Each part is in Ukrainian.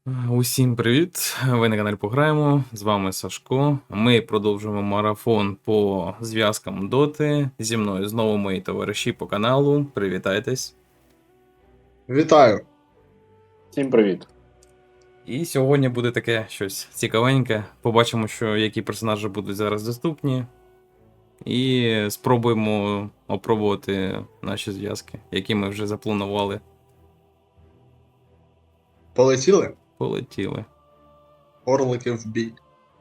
Усім привіт! Ви на каналі Пограємо. З вами Сашко. Ми продовжуємо марафон по зв'язкам Доти. Зі мною знову мої товариші по каналу. Привітайтесь. Вітаю. Всім привіт. І сьогодні буде таке щось цікавеньке. Побачимо, які персонажі будуть зараз доступні. І спробуємо опробувати наші зв'язки, які ми вже запланували. Полетіли? Полетіли. Орлики в бій.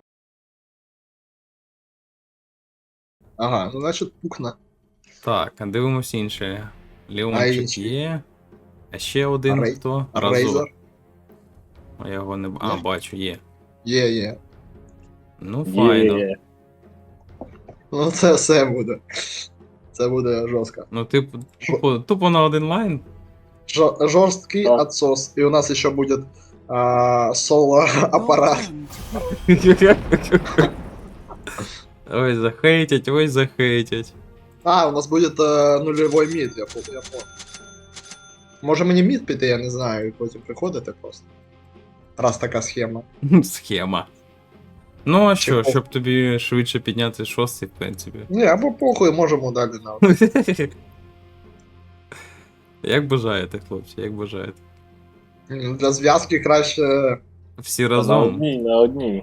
Ага, ну значить пукна. Так, дивимось інше. Леончик інші? є. А ще один хто? Рейзер. А я його не Є? бачу, є. Є. Ну, файно. Є. Ну це все буде. Це буде жорстко. Ну, тупо на один лайн. Жорсткий Так. отсос. І у нас ще буде соло апарат. Ой, захейтять, ой, захейтять. У нас буде нульовий мід, я помню. Може мені мід піти, я не знаю, і потім приходити просто. Раз така схема. Схема. Ну, а що, Чого? щоб тобі швидше підняти шостий, в принципі. Ні, або похуй, можемо далі на. Як бажаєте, хлопці, як бажаєте. Для зв'язки краще. Всі На разом. одній, на одній.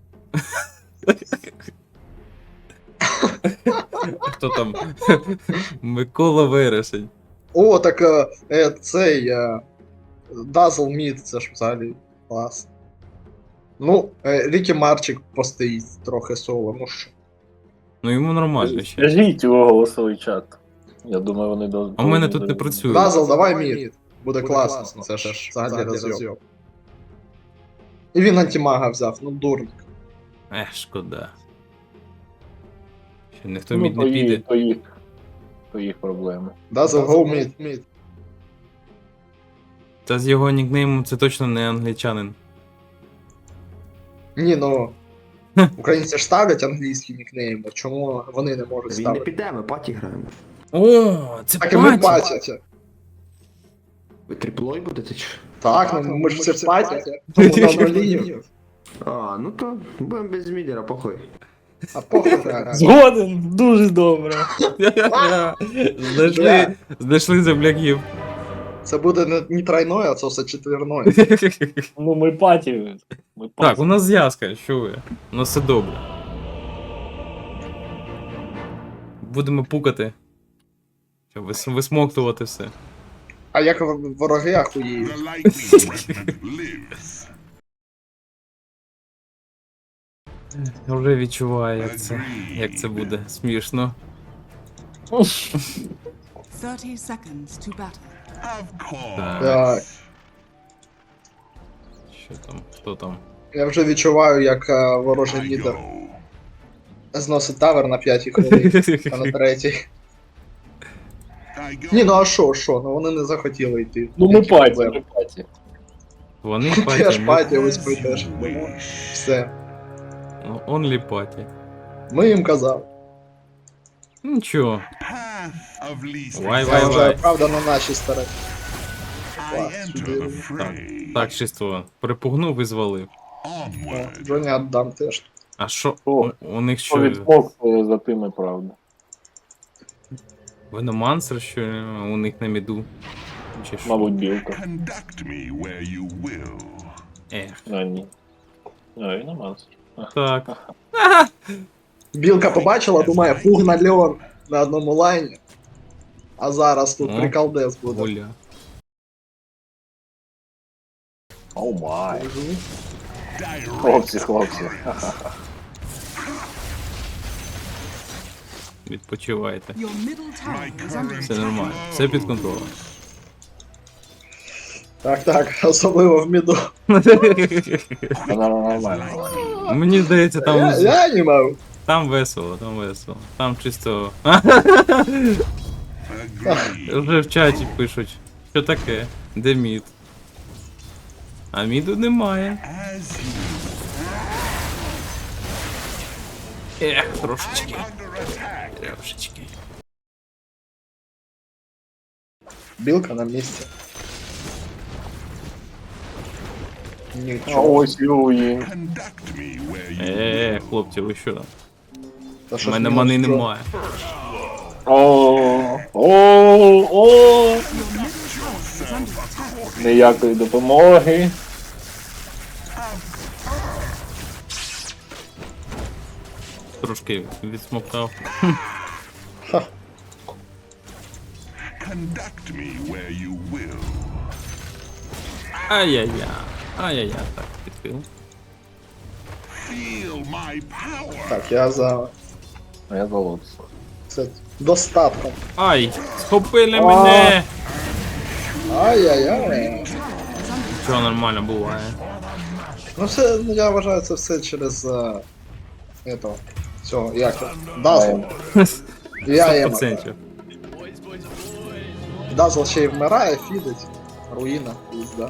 Хто там? Микола Вересень. О, так цей Dazzle Meat, це ж взагалі клас. Ну, Рікі Марчик постоїть трохи соло, ну що. Ну йому нормально ще. Скажіть його голосовий чат. Я думаю, вони до. А в мене тут не працює. Dazzle, давай мід. Буде класно, це ж взагалі розйом. І він антимага взяв, ну дурник. Шкода. Ще ніхто Ну, мід не піде. То їх проблеми. Dazzle, go mid. Та з його нікнеймом це точно не англічанин. Ні, ну. Українці ж ставлять англійські нікнейми, чому вони не можуть Він не ставити? піде, ми паті граємо. О, це Так і ми паті! паті. Ви триплой будете чи? Так, ну ми ж всі в паті. Тому на нулі. Ну то будемо без мідера, похуй. А похуй грати. Згоден, дуже добре. Знайшли земляків. Це буде не тройное, а це все четверное. Ну ми паті. Так, у нас зв'язка, що ви? У нас все добре. Будемо пукати. Щоб висмоктувати все. А як вороги ахуєють? The lightning regiment lives. Я вже відчуваю, як це буде смішно. 30 seconds to battle. Of course. Так, Що там? Хто там? я вже відчуваю, як ворожий I лідер go. зносить тавер на 5-й хвилині, а на 3-й. I go. Ні, ну а що, ну вони не захотіли йти. Ну ми Які паті, проблеми? ми паті. Вони Теж паті. паті, ось ви теж. Тому все. Онлі паті. Ми їм казали. Нічого. Path of least Вай, Це вай, вже вай. правда на нашій стороні. I enter the fray. Так, чисто припугнув і звалив. Onward. Джоні віддам теж. А що? О, У них Що що? відмовкою за тими, правда. Веномансер, що у них на міду? Чи що? Мабуть, білка. Conduct me where you will. А, ні. А, він аманс. Так. Білка побачила, думає, пуг на Леон на одному лайні. А зараз тут О, приколдес буде. Оля. О май. Direct. Хлопці. Відпочивайте. Your middle tower My is under current Все нормально. Все під контролем. Так, особливо в міду. Нормально. Мені здається, там, Я не можу. там весело, там весело. Там чисто. Agreed. Вже в чаті пишуть, що таке, де мід. А міду немає. As you Трошечки. under attack. Трошечки. Білка на місці. А Нічого. ось Юїн. Conduct me where you Хлопці, ви що там? Та У щось мене мінус мани що? немає. О, Your middle tower is under attack. ніякої допомоги. Трошки відсмоктав. conduct me where you will. Ай-яй-яй. Ай-яй-яй. Так, підхил. Feel my power. Так, я за А я залодся. це достатком. Ай! Схопили мене! Ай-яй-яй. Чого нормально буває? Ну все, ну я вважаю, це все через этого. Цього, як його? Дазл. Я їм. 100%. Дазл ще й вмирає, фідить. Руїна, пізда.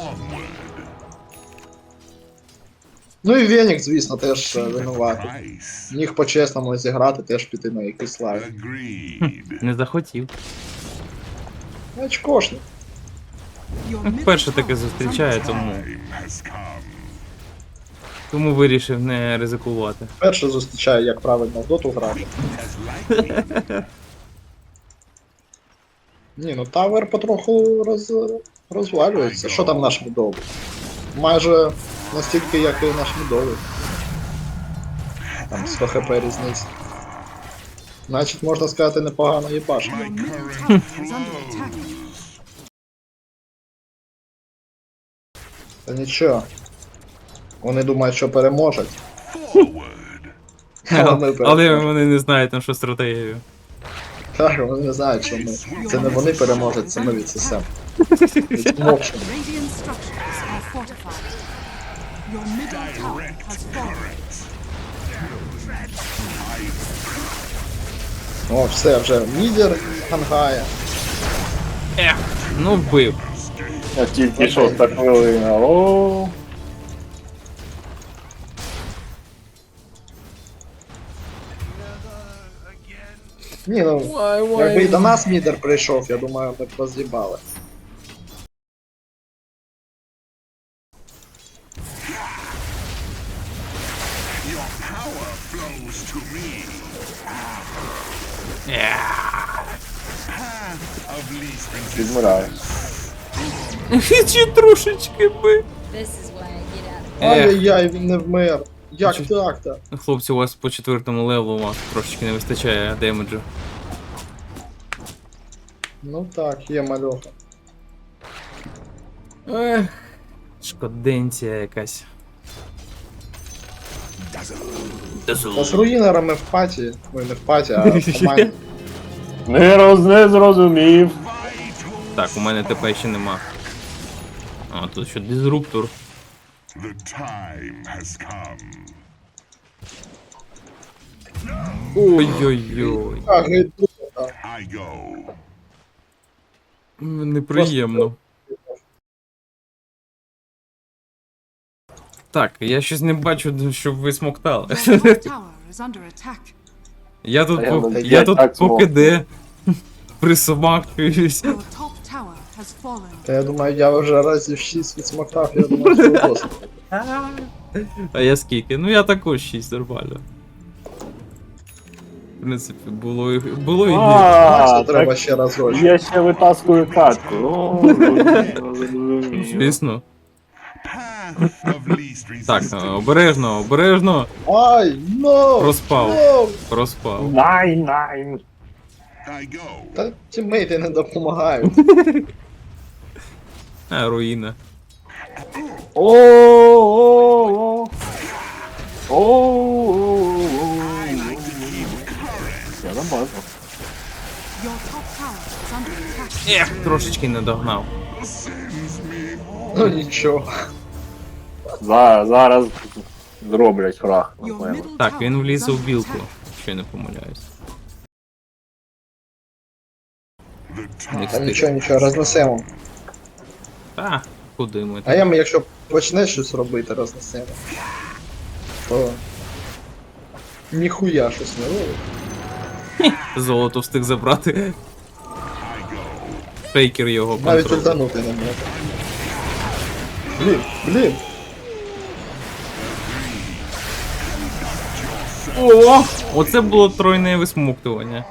Ну і Венік, звісно, теж винуватий. Price. Міг по-чесному зіграти, теж піти на якийсь лайв. Agreed. Не захотів. Очкошник. Your middle Вперше tower таке is зустрічає, under тому, Time has come. тому вирішив не ризикувати. Перше зустрічаю, як правильно в доту грати. Ні, ну тавер потроху розвалюється. Що там наш мідовий? Майже настільки, як і наш мідовий. Там 100 хп різниця. Значить, можна сказати, непогано їбаш. Your middle tower is under attack. Та нічого. Вони думають, що переможуть. Forward. Але ми Але переможемо. вони не знають там, що стратегію. Так, вони не знають, що ми. Це не вони переможуть, це ми відсосемо. Відмовчимо. Radiant structures are fortified. Your middle tower has fallen. О, все, вже мідер гангає. Ну вбив. Я тільки 6 хвилина. О, Ні, ну, якби і до нас мідер прийшов, я думаю, ми б роз'їбали. Power flows to me. Of least resistance. відмираю. Чи трошечки би. This is why I get out. Ай-яй-яй, він не вмер. Як так-то? Хлопці, у вас по 4-му левелу у вас трошечки не вистачає демеджу. Ну так, є мальоха. Ех, шкоденція якась. Та з руїнерами в паті. Ой, не в паті, а в команді. Не зрозумів. Так, у мене ТП ще нема. А, тут що дизруптор. The time has come. Ой-ой-ой. А, гейду. I go. Неприємно. Так, я щось не бачу, щоб ви смоктали. Your top tower is under attack. Я тут, А я по, не- я я тут так по КД присмактуюсь. Your top tower has fallen. Та я думаю, я вже разів 6 відсмоктав, я думаю, що досить. А я скільки? Ну я також 6 нормально. В принципі, було і гірше. Значить, треба ще раз рочку. Я ще витаскую катку. Звісно. Path of least Так, resistance. обережно, обережно. Ай, но! Розпав. но! Розпав. Найн. I go. Та тіммейти не допомагають. Руїна. О. Я намазав. Your top tower is under attack. Трошечки не догнав. Ну нічого. Зараз зроблять крах, Your напевно. middle Так, tower він is вліз у under білку, attack. якщо я не помиляюсь. The Не time. Та встиг. нічого, нічого, рознесемо. Та, куди ми А там? я, якщо почне щось робити, рознесемо. То... Ніхуя щось не робить. Золото встиг забрати. Фейкер його Навіть контролює. ультанути не може. Блін, блін. О! Оце було тройне висмоктування.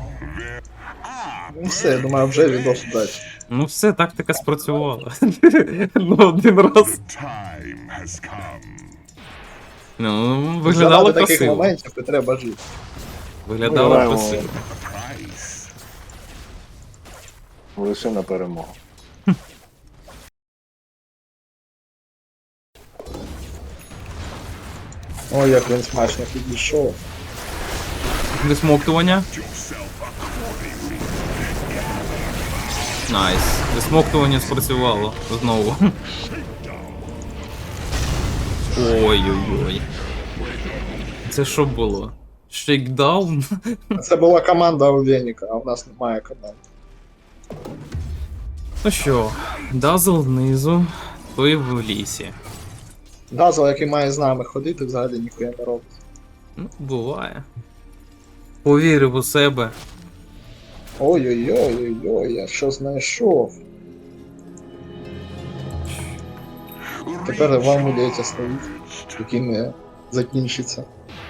Ну все, я думаю, вже відос удачі. Ну все, тактика спрацювала. Ну, один раз. Time has come. Ну, виглядало Заради таких красиво. моментів і треба жити. Виглядало Граємо красиво. Price. лише на перемогу. Ой, як він смачно підійшов. Висмоктування. Найс. Висмоктування спрацювало знову. Ой-ой-ой. Це що було? Шейкдаун? Це була команда у Веніка, а в нас немає команди. Ну що, Дазл знизу, той в лісі. Дазл, який має з нами ходити, взагалі ніхуя не робить. Ну, буває. Повірив у себе. Ой-ой-ой-ой-ой, я що знайшов. Тепер вам мудеться стоїть, який не закінчиться.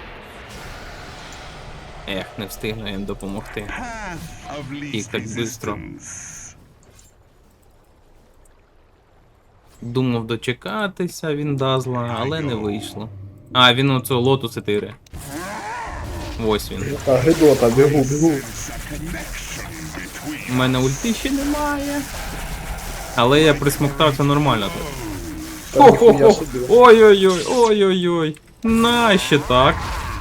Ех, не встигну їм допомогти. Path of І least так бистро. resistance. Думав дочекатися він Дазла, але не вийшло. А, він оцього лотуси тире. Ось він. Та гидота, бігу. У мене ульти ще немає. Але я присмоктався нормально тут. Та ніхуя собі. Ой-ой-ой, ой-ой-ой. На, ще так.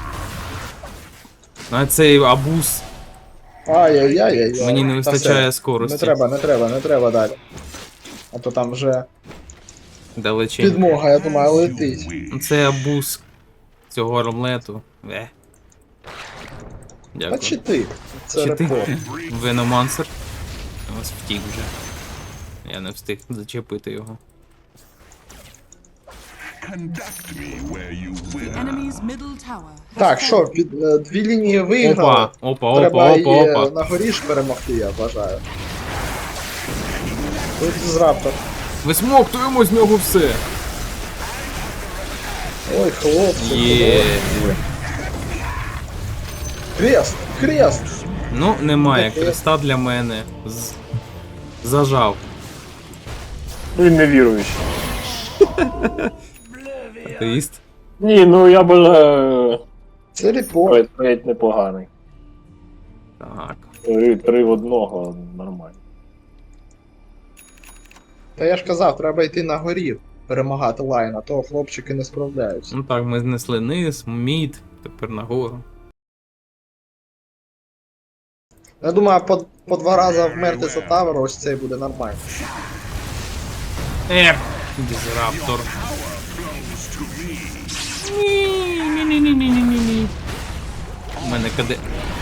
А цей абуз. Ай-яй-яй-яй. Мені не Та вистачає все. скорості. Не треба далі. А то там вже Далечень. підмога, я думаю, летить. Це абуз цього ромлету. А Дякую. чи ти? Це Чи ти? репорт. Веномансер. Ось втік вже. Я не встиг зачепити його. Conduct me where you The will. enemy's middle tower has Так, що, дві лінії виграли. Опа, Треба її опа. на горі ж перемогти, я вважаю. Тут з раптор. Висмоктуємо з нього все. Ой, хлопці. Є. Хрест! Ну, немає Таке. креста для мене. Зажав. Він не віруючий. Атеїст. Ні, ну я бажаю Це репорт. навіть непоганий. Так. 3 в 1 нормально. Та я ж казав, треба йти на горі перемагати лайн, а то хлопчики не справляються. Ну так, ми знесли низ, мід, тепер нагору. Я думаю, по 2 рази вмерти за тавер, ось цей буде нормально. Дізраптор. Ні. У мене КД.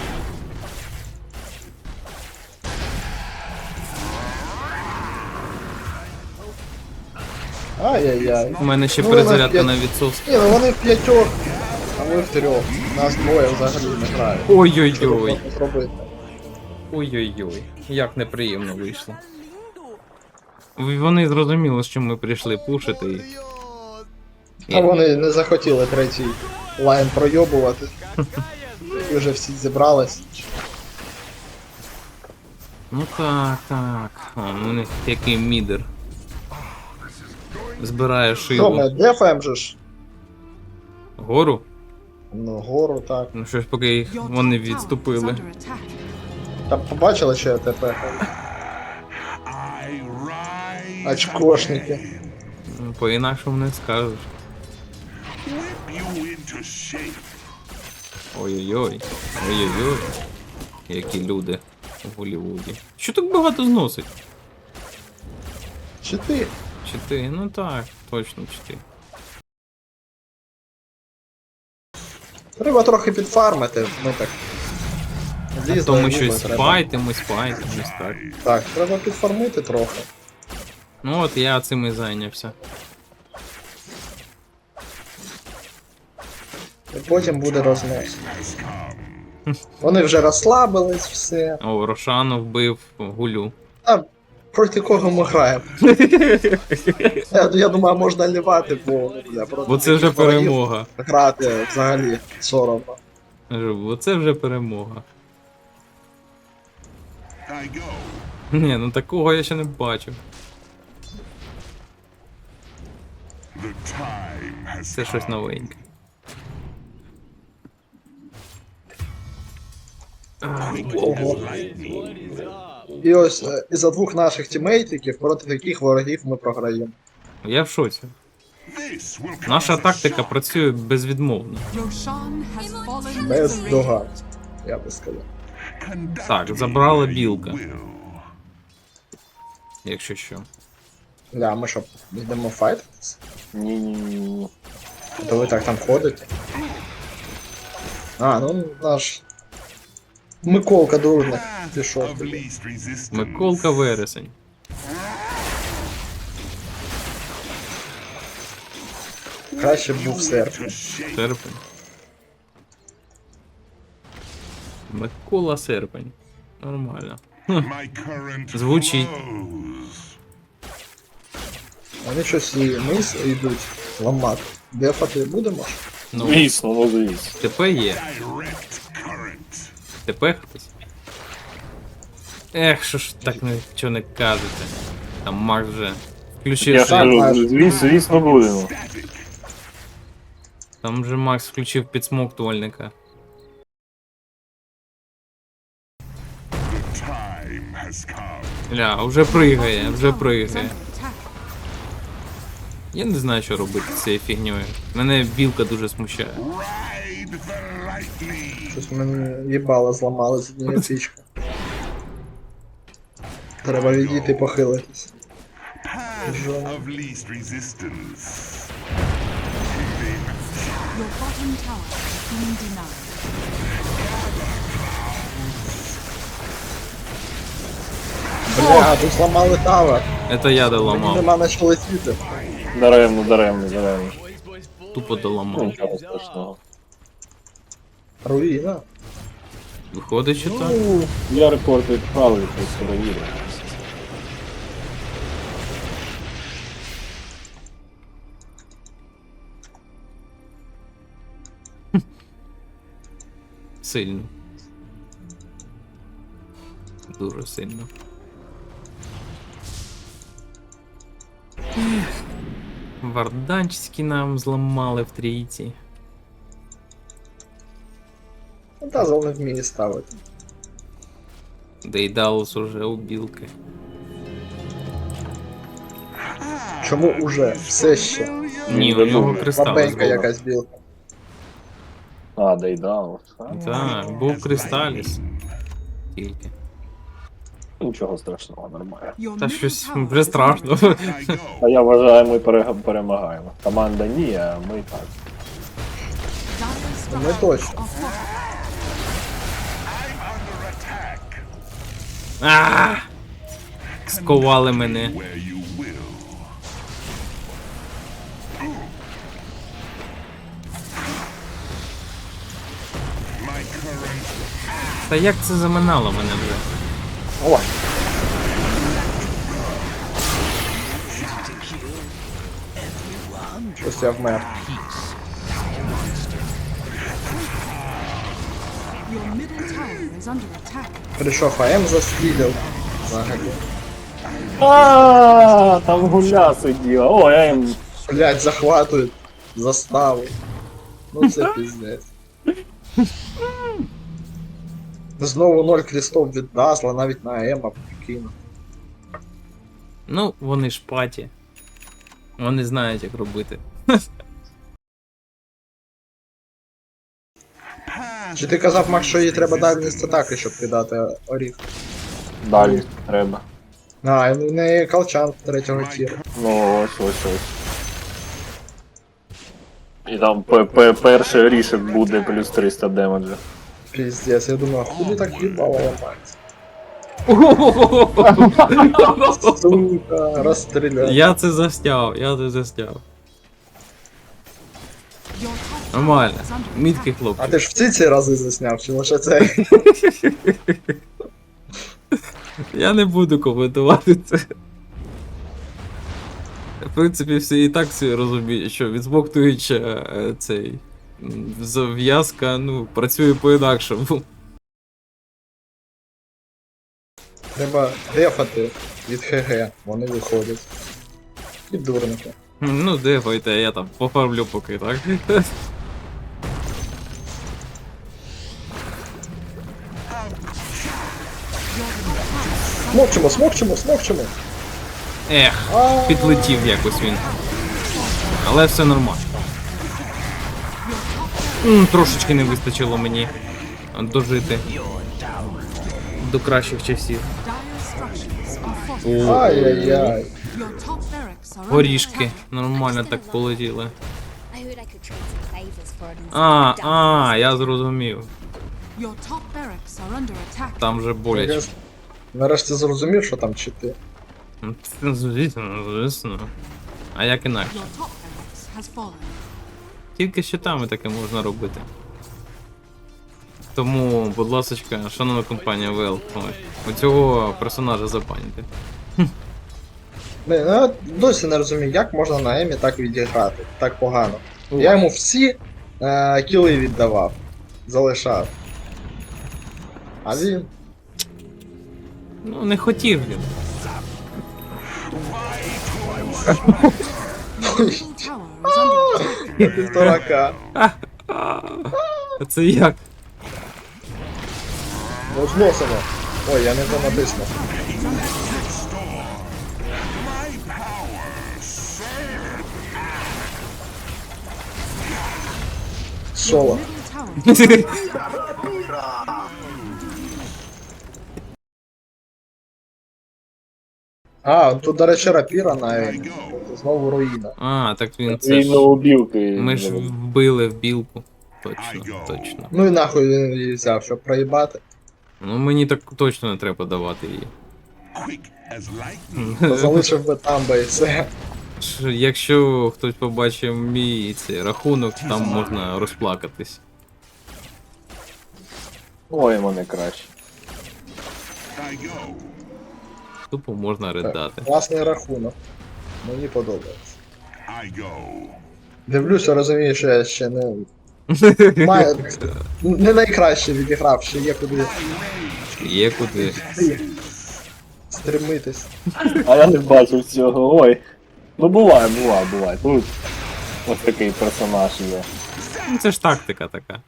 Ай-яй-яй. У мене ще Ну, перезарядка вона на відсос. Ні, ну вони в 5, а ми в 3. Нас двоє взагалі не грають. Що Ой-ой-ой. тут зробити? Ой-ой-ой. Як неприємно вийшло. Вони зрозуміли, що ми прийшли пушити і. А вони не захотіли третій лайн пройобувати. І вже всі зібрались. Ну так. О, у них який мідер. Збирає Що ми шило. дефаєм же ж? Гору? Ну, гору, так. Ну щось поки їх Your вони top tower is відступили. under attack. Там побачили, що я ТП? I rise Очкошники. again. Ну, по-інакшому не скажеш. Whip you into shape. Ой-ой-ой. Ой-ой-ой. Які люди у Голлівуді. Що так багато зносить? Чи ти? Чи ти? Ну так, точно чи ти. Треба трохи підфармити, ми так. Злізли, То ми ніби щось треба. файтимось, так. Так, треба підфармити трохи. Ну от я цим і зайнявся. І потім буде рознос. Вони вже розслабились, все. О, Рошану вбив гулю. А проти кого ми граємо? Я думаю, можна лівати, бо, ну, бля, проти Бо це вже таких ворогів перемога. грати взагалі соромно. Кажу, оце вже перемога. I go. Ні, ну такого я ще не бачив. The time has Це щось come. новеньке. Quick Ого. as lightning. І ось із-за двох наших тімейтиків, проти яких ворогів ми програємо. Я в шоці. This will come Наша as a тактика shock. працює безвідмовно. Roshan has fallen Без to the догад, я би сказав. Conduct Так, me забрала where you білка. will. Якщо що. Ля, ми що, йдемо файтитись? Ні-ні-ні. То ви так там ходите? А, ну наш... Миколка дурник Path пішов. of least resistance. Миколка вересень. Краще б був To серпень. shape Серпень. Микола Серпень. Нормально. my current Звучить. flows. Вони щось і вниз йдуть ламати. Дефати будемо? Ну, Звісно, ну звісно. ТП є. Direct current. ТП хтось. Ех, що ж так нічого не кажете. Там Макс вже включив. Я ж Так, кажу, майже. звісно будемо. Static. Там вже Макс включив підсмоктувальника. The time has come. Ля, вже пригає, вже Tower is пригає. under attack. Я не знаю, що робити з цією фігньою. Мене білка дуже смущає. Ride the lightning. Щось мені їбало зламали з однієї фішки. Треба відійти похилитись. Path of least resistance. Your bottom tower has been denied. Бля, тут зламали тавер. Це я Мені доламав. нема на що летіти. Даремно. Тупо Ну, доламав. нічого страшного. Руїна. Виходить, що так. Ну, Я рекорд відправив, то перевірю. Сильно. Дуже сильно. Варданчики нам зламали в трійці. Дазл не вміє ставити. Дейдалус уже у білки. Чому уже? Все ще. Ні, у нього кристал. Слабенька якась білка. А, дейдал. Так, був кристаліс. Тільки. Нічого страшного, нормально. Your Та middle щось tower вже is страшно. I go. А я вважаю, ми перемагаємо. Команда ні, а ми так. Dire Не structures точно. are fortified. Under attack. А! Сковали мене. Where you will. My current Та як це заминало мене вже? Ой. Щось я вмер. Your middle tower is under attack. Прийшов АМ застрілив. Взагалі. А, там гуля сиділа. О, я їм. Блять, захватують заставу. Ну це піздець. Знову 0 крістов від Дазла, навіть на Ема прикинув. Ну, вони ж паті. Вони знають, як робити. Чи ти казав, Макс, що їй треба дальність атаки, щоб кидати оріх? Далі треба. А, і в неї колчан 3-го тіру. Ну, ось. І там перший рішок буде плюс 300 демеджа. Піздець, я думаю, худи так їбало ламається. Сука, розстріляй. Я це застяв. Your top tower Нормально. is under Мітки attack. А хлопці. ти ж всі ці рази засняв, чи лише цей? Я не буду коментувати це. В принципі, всі і так всі розуміють, що відсмоктуючи цей Зав'язка, ну, працює по-інакшому. Треба дефати від ХГ, вони виходять. І дурники. Ну, дефайте, я там пофармлю поки, так? Смокчемо, смокчемо, смокчемо! Ех, підлетів якось він. Але все нормально. Трошечки не вистачило мені дожити до кращих часів. Dire structures are fortified. Ай-яй-яй. Your top barracks are under Горішки attack. нормально так полетіли. I heard I could trade some favors for it. Я зрозумів. Your top barracks are under attack. Там же боляче. Я нарешті зрозумів, що там чити. Звісно. А як інакше? Your top barracks has fallen. Тільки щитами таке можна робити. Тому, будь ласочка, шановна компанія Valve, у цього персонажа забаньте. Я досі не розумію, як можна на Емі так відіграти, так погано. Я йому всі кіли віддавав, залишав. А він. Ну, не хотів він. Your middle tower is under attack. Півторака. А це як? Ну зносимо. Ой, я не то натиснув. Соло. Middle tower. Тут, до речі, рапіра на Емі. Знову руїна. Так він це Він ж... на убілки. Ми ж вбили в білку. Точно, точно. Ну і нахуй він її взяв, щоб проїбати. Ну мені так точно не треба давати її. Quick as lightning. То залишив би там би і все. Якщо хтось побачив мій цей рахунок, там можна розплакатись. Ой, мене краще. I go. Тупо можна ридати. Класний рахунок. Мені подобається. I go. Дивлюся, розумію, що я ще не. Не найкраще відіграв, ще є куди Є куди. стремитись. А я не бачив цього, ой. Ну буває. Тут ось такий персонаж є. Ну це ж тактика така.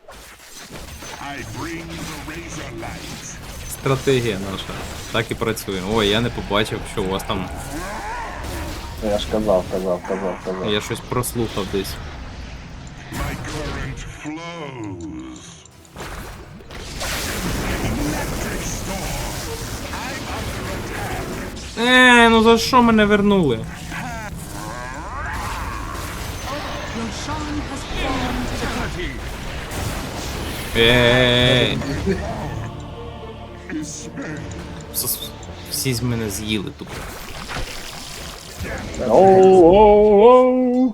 I bring the razor light. Стратегія наша. Так і працює. Ой, я не побачив, що у вас там. Я ж казав. Я щось прослухав десь. My current flows. Ну за що мене вернули? Your Shan has fallen to the Ей. Всі з мене з'їли тупо. Оу.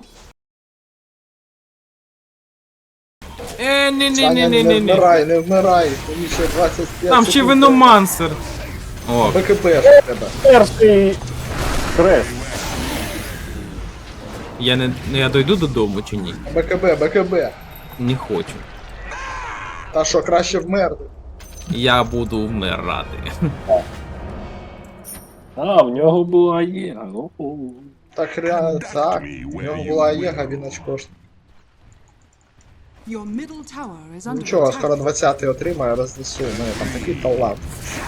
Саня, не Ні-ні-ні-ні-ні. не вмирай, тобі ще 25 Там ще секунд. виномансер. О, БКБ ж треба. Перший хрест. я дойду додому чи ні? БКБ. Не хочу. Та що, краще вмерти. Я буду вмирати. В нього була є. Так, так. У нього була Єга, він очко ж. Your middle tower is under Нічого, attack. скоро 20-й отримає, рознесу. У мене там такий талант.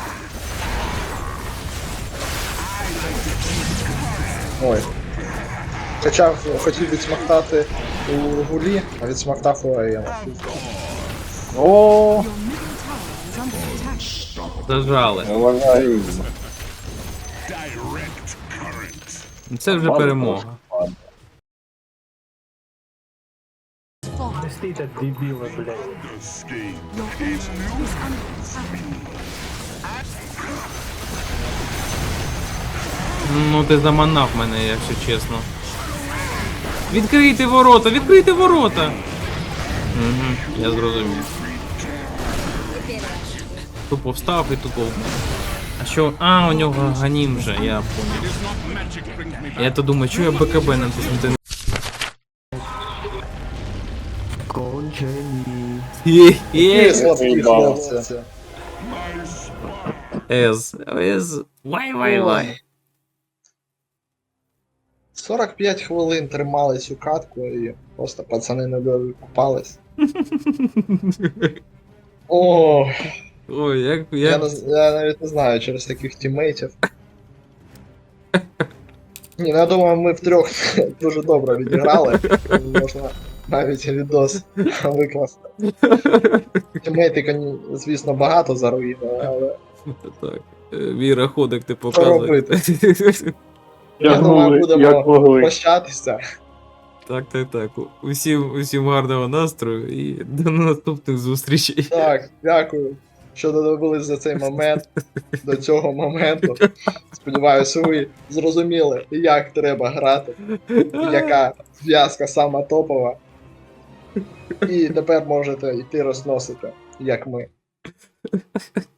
Ой. Хотів відсмоктати у гулі, а відсмоктав у Аєна. О, Your middle tower is under attack. Зажали. евангелізм. Direct current. Це вже перемога. Fallen. The scheme. Your ancient is under attack. Ну ти заманав мене, якщо чесно. Відкрийте ворота! Відкрийте ворота! Угу, я зрозумів. Тупо встав і тупо. А що? У нього ганім вже, я понял. Я то думаю, що я БКБ натиснути не. Кончені. Які слабкі хлопці. My spine. Ез. Вай. 45 хвилин тримали цю катку і просто пацани не докупались. О, Ой, як. я навіть не знаю через таких тімейтів. Ні, ну я думаю, ми втрьох дуже добре відіграли. Можна навіть відос викласти. Тімейти, звісно, багато заруїнили, але Так. Віра ходик ти що показує. робити? Я думаю, Тягнули, будемо як могли. прощатися. Так. Усім гарного настрою і до наступних зустрічей. Так, дякую, що додивились за цей момент, до цього моменту. Сподіваюся, ви зрозуміли, як треба грати, яка зв'язка сама топова. І тепер можете йти розносити, як ми.